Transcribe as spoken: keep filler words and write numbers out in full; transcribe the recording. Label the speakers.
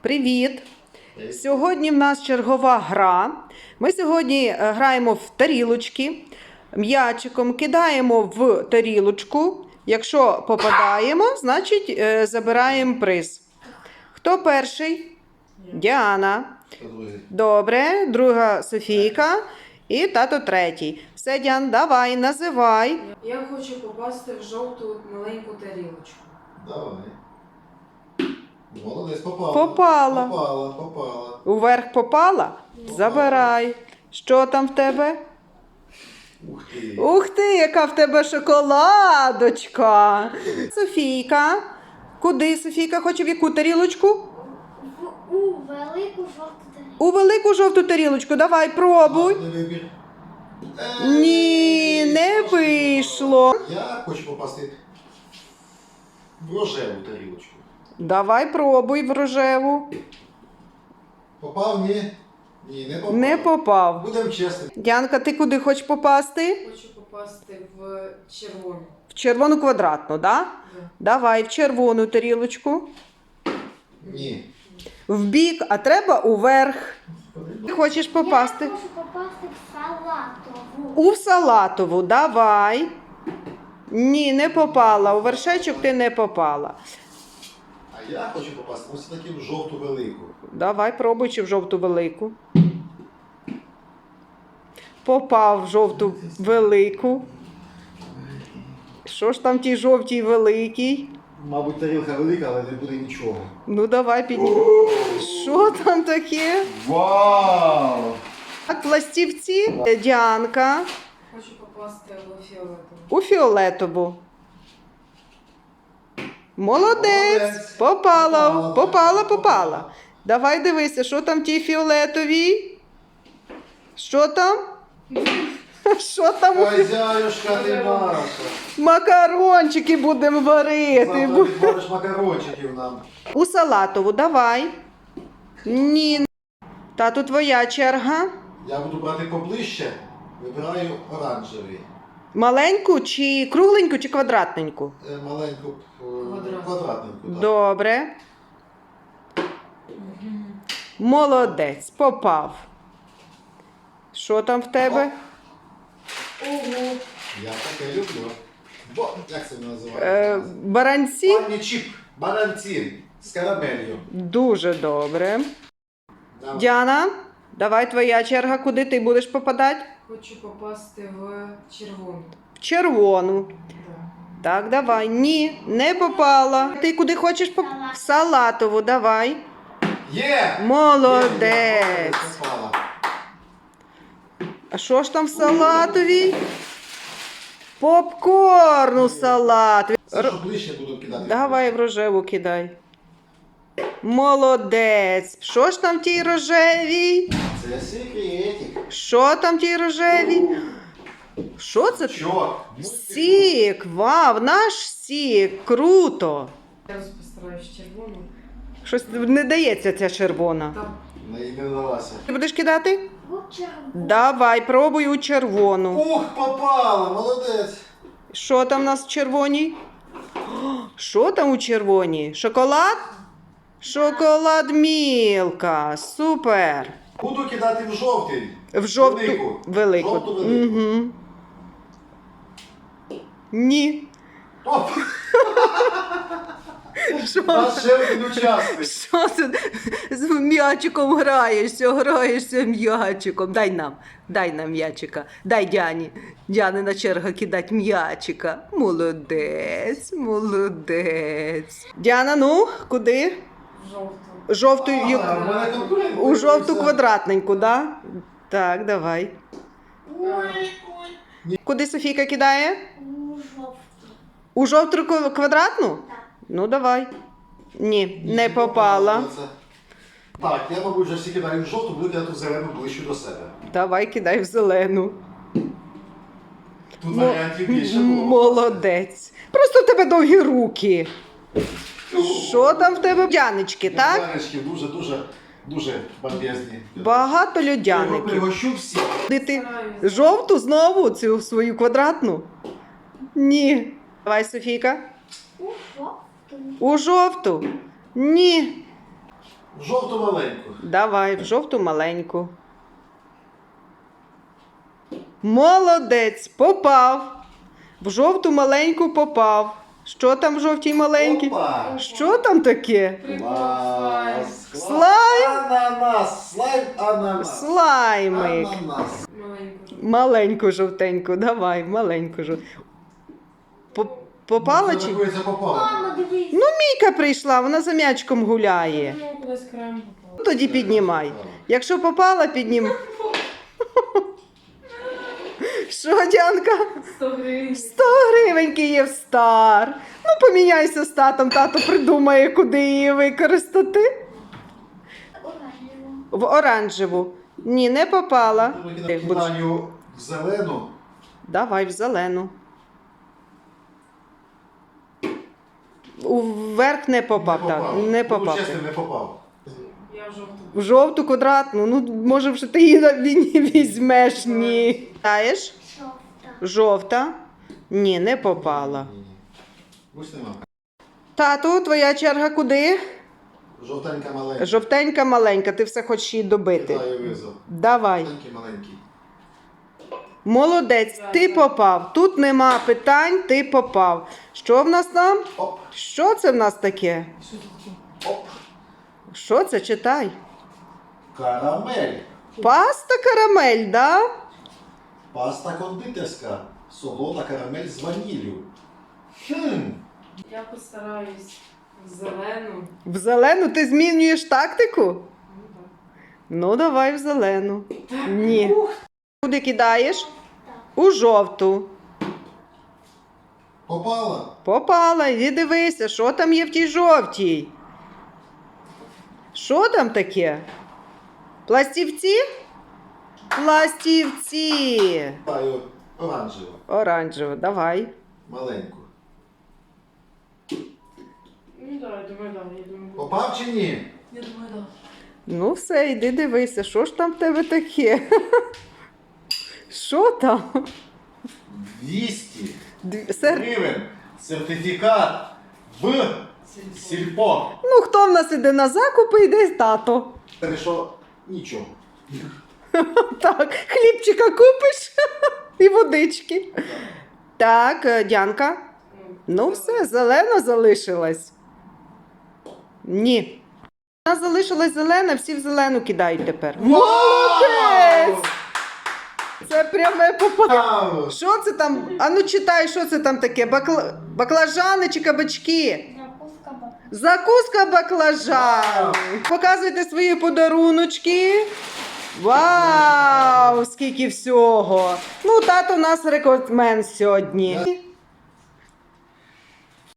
Speaker 1: Привіт! Сьогодні в нас чергова гра. Ми сьогодні граємо в тарілочки, м'ячиком кидаємо в тарілочку. Якщо попадаємо, значить забираємо приз. Хто перший? Діана. Добре, друга Софійка і тато третій. Все, Діан, давай, називай.
Speaker 2: Я хочу попасти в жовту маленьку тарілочку.
Speaker 3: Давай. Молодець, попала.
Speaker 1: Попала.
Speaker 3: Попала, попала.
Speaker 1: Уверх попала? Забирай. Що там в тебе?
Speaker 3: Ух ти.
Speaker 1: Ух ти, яка в тебе шоколадочка. Софійка. Куди Софійка хоче, в яку тарілочку?
Speaker 4: В, у велику жовту тарілку.
Speaker 1: У велику жовту тарілочку. Давай, пробуй.
Speaker 3: Гарний вибір. Е,
Speaker 1: Ні, не вийшло.
Speaker 3: Я хочу попасти в рожеву тарілочку.
Speaker 1: Давай, пробуй в рожеву.
Speaker 3: Попав? Ні? Ні, не попав.
Speaker 1: Не попав.
Speaker 3: Будемо чесними.
Speaker 1: Діанка, ти куди хочеш попасти?
Speaker 2: Хочу попасти в червону.
Speaker 1: В червону квадратну, да?
Speaker 2: Да.
Speaker 1: Давай, в червону тарілочку.
Speaker 3: Ні.
Speaker 1: В бік, а треба уверх. Ти хочеш попасти?
Speaker 4: Я хочу попасти в салатову.
Speaker 1: У салатову, давай. Ні, не попала. У вершечок ти не попала.
Speaker 3: А я хочу попасти ось таки в жовту велику.
Speaker 1: Давай, пробуй, чи в жовту велику. Попав в жовту велику. Що ж там в тій жовтій великій?
Speaker 3: Мабуть, тарілка велика, але не буде нічого.
Speaker 1: Ну, давай піднімемо. Що там таке?
Speaker 3: Вау!
Speaker 1: Так, пластівці. Діанка.
Speaker 2: Хочу попасти в фіолетову.
Speaker 1: У фіолетову. Молодець.
Speaker 3: Молодець.
Speaker 1: Попала,
Speaker 3: Попала,
Speaker 1: попала,
Speaker 3: попала.
Speaker 1: попала. Давай дивися, що там в тій фіолетовій? Що там? Що там? у фі-
Speaker 3: Хазяюшка ти наша.
Speaker 1: Макарончики будемо варити.
Speaker 3: Завтра відвариш макарончиків нам.
Speaker 1: У салатову давай. Ні. Тату, твоя черга.
Speaker 3: Я буду брати поближче, вибираю оранжевий.
Speaker 1: Маленьку чи кругленьку, чи квадратненьку?
Speaker 3: Е, Маленьку е,
Speaker 2: Квадрат.
Speaker 3: квадратненьку. Так.
Speaker 1: Добре. Молодець, попав. Що там в тебе?
Speaker 2: Ого!
Speaker 3: Я таке люблю. Бо, як це
Speaker 1: Е,
Speaker 3: називається?
Speaker 1: баранці?
Speaker 3: Пані чіп, бананці з карамелью.
Speaker 1: Дуже добре.
Speaker 3: Давай.
Speaker 1: Діана, давай твоя черга. Куди ти будеш попадати?
Speaker 2: Хочу попасти в червону.
Speaker 1: В червону.
Speaker 2: Да.
Speaker 1: Так, давай. Ні, не попала. Ти куди хочеш попасти? В салатову, давай.
Speaker 3: Є!
Speaker 1: Молодець.
Speaker 3: Попала.
Speaker 1: А що ж там в салатовій? Попкорн у салатові.
Speaker 3: Це що ближче буду кидати.
Speaker 1: Давай в рожеву кидай. Молодець. Що ж там в тій рожевій?
Speaker 3: Це секретик.
Speaker 1: Що там в тій рожевій? Що це?
Speaker 3: Що?
Speaker 1: Сік. Вау, наш сік. Круто.
Speaker 2: Я постараюсь червону.
Speaker 1: Щось не дається ця червона.
Speaker 2: Там
Speaker 3: Не іменувалася.
Speaker 1: Ти будеш кидати?
Speaker 4: В червону.
Speaker 1: Давай, пробуй у червону.
Speaker 3: Ух, попала, молодець.
Speaker 1: Що там у нас в червоній? О, що там у червоній? Шоколад? Шоколад Мілка. Супер.
Speaker 3: Буду кидати в жовтий.
Speaker 1: В жовту
Speaker 3: Велику.
Speaker 1: велику.
Speaker 3: Жовту велику.
Speaker 1: Угу. Ні.
Speaker 3: Оп!
Speaker 1: Що?
Speaker 3: Наш ще один учасник.
Speaker 1: Що ти з м'ячиком граєшся, граєшся м'ячиком. Дай нам, дай нам м'ячика. Дай Діані. Діанина черга кидать м'ячика. Молодець, молодець. Діана, ну, куди?
Speaker 2: в жовту.
Speaker 1: Жовту,
Speaker 3: А, в мене конкурент
Speaker 1: у жовту
Speaker 3: виявився.
Speaker 1: квадратненьку, да? Так, давай.
Speaker 4: Ой, ой.
Speaker 1: Куди Софійка кидає?
Speaker 4: У жовту.
Speaker 1: У жовту кв- квадратну?
Speaker 4: Так.
Speaker 1: Ну, давай. Ні, не попала.
Speaker 3: Так, я, мабуть, вже всі кидаю в жовту, буду кидати в зелену ближче до себе.
Speaker 1: Давай кидай в зелену.
Speaker 3: Тут
Speaker 1: Мо-
Speaker 3: варіантів більше було.
Speaker 1: Молодець. Просто в тебе довгі руки. Що там в тебе? Льодянички, так?
Speaker 3: Льодянички дуже-дуже, дуже бомбезні.
Speaker 1: Багато
Speaker 3: Я
Speaker 1: льодяників.
Speaker 3: пригощу всі.
Speaker 1: Куди ти жовту знову, цю свою квадратну? Ні. Давай, Софійка.
Speaker 4: У жовту.
Speaker 1: У жовту? Ні.
Speaker 3: В жовту маленьку.
Speaker 1: Давай, в жовту маленьку. Молодець, попав. В жовту маленьку попав. Що там в жовтій маленькій?
Speaker 3: Опа!
Speaker 1: Що там таке?
Speaker 2: Прикол,
Speaker 3: Клас! клас.
Speaker 1: Слайм?
Speaker 3: Ананас! Слайм ананас!
Speaker 1: Слаймик.
Speaker 3: Ананас!
Speaker 2: Маленьку.
Speaker 1: Маленьку жовтеньку, давай, маленьку жовтеньку. Попала
Speaker 3: Це
Speaker 1: чи?
Speaker 3: рахується попало.
Speaker 4: Мама, дивись.
Speaker 1: Ну, Мійка прийшла, вона за м'ячком гуляє.
Speaker 2: Ну, кудись крем попав.
Speaker 1: Тоді піднімай. Якщо попала, піднім. Що, Дянка?
Speaker 2: сто гривень.
Speaker 1: сто гривень Київстар. Ну, поміняйся з татом, тато придумає, куди її використати.
Speaker 4: Оранжево.
Speaker 1: В оранжеву. Ні, не попала.
Speaker 3: Я кидаю в зелену.
Speaker 1: Давай в зелену. Уверх не попав, так. Не попав.
Speaker 3: Ну, чесно, не попав.
Speaker 2: Я в жовту.
Speaker 1: В жовту квадратну. Ну, може, вже ти її на війні візьмеш. Ні. Знаєш?
Speaker 4: Жовта.
Speaker 1: Жовта. Ні, не попала.
Speaker 3: Ні, ні. Ось нема.
Speaker 1: Тату, твоя черга куди?
Speaker 3: Жовтенька маленька.
Speaker 1: Жовтенька маленька, ти все хочеш її добити.
Speaker 3: Кидаю визов.
Speaker 1: Давай.
Speaker 3: Жовтенький маленький.
Speaker 1: Молодець, ти попав. Тут нема питань, ти попав. Що в нас там?
Speaker 3: Оп,
Speaker 1: Що це в нас таке?
Speaker 2: Що тут таке?
Speaker 3: оп.
Speaker 1: Що це? Читай.
Speaker 3: Карамель.
Speaker 1: Паста карамель, да?
Speaker 3: Паста кондитерська. Солода карамель з ваніллю. Хм.
Speaker 2: Я постараюсь в зелену.
Speaker 1: В зелену ти змінюєш тактику?
Speaker 2: Ну, так.
Speaker 1: Ну, давай в зелену. Ні. Куди кидаєш? У жовту.
Speaker 3: Попала.
Speaker 1: Попала, іди дивися, що там є в тій жовтій. Що там таке? Пластівці? Пластівці.
Speaker 3: Кидаю оранжеву.
Speaker 1: Оранжево, давай.
Speaker 3: Маленьку.
Speaker 2: Ну, давай, давай, давай, я думаю.
Speaker 3: Попав чи ні?
Speaker 2: Я думаю, да.
Speaker 1: Ну все, йди дивися, що ж там в тебе таке? Що там?
Speaker 3: двісті
Speaker 1: Дві- Сер...
Speaker 3: гривень. Сертифікат в сільпо.
Speaker 1: Ну, хто в нас іде на закупи, йде тато.
Speaker 3: Це що? Нічого.
Speaker 1: Так, хлібчика купиш і водички. Так, е, Дянка. Ну все, зелена залишилась. Ні. Вона залишилась зелена, всі в зелену кидають тепер. Молодець! Це пряме попадання.
Speaker 3: Вау!
Speaker 1: Що це там? А ну читай, що це там таке? Бакла... Баклажани чи кабачки?
Speaker 4: Закуска баба.
Speaker 1: Закуска баклажан. Показуйте свої подаруночки. Вау! Скільки всього! Ну, тато у нас рекордсмен сьогодні.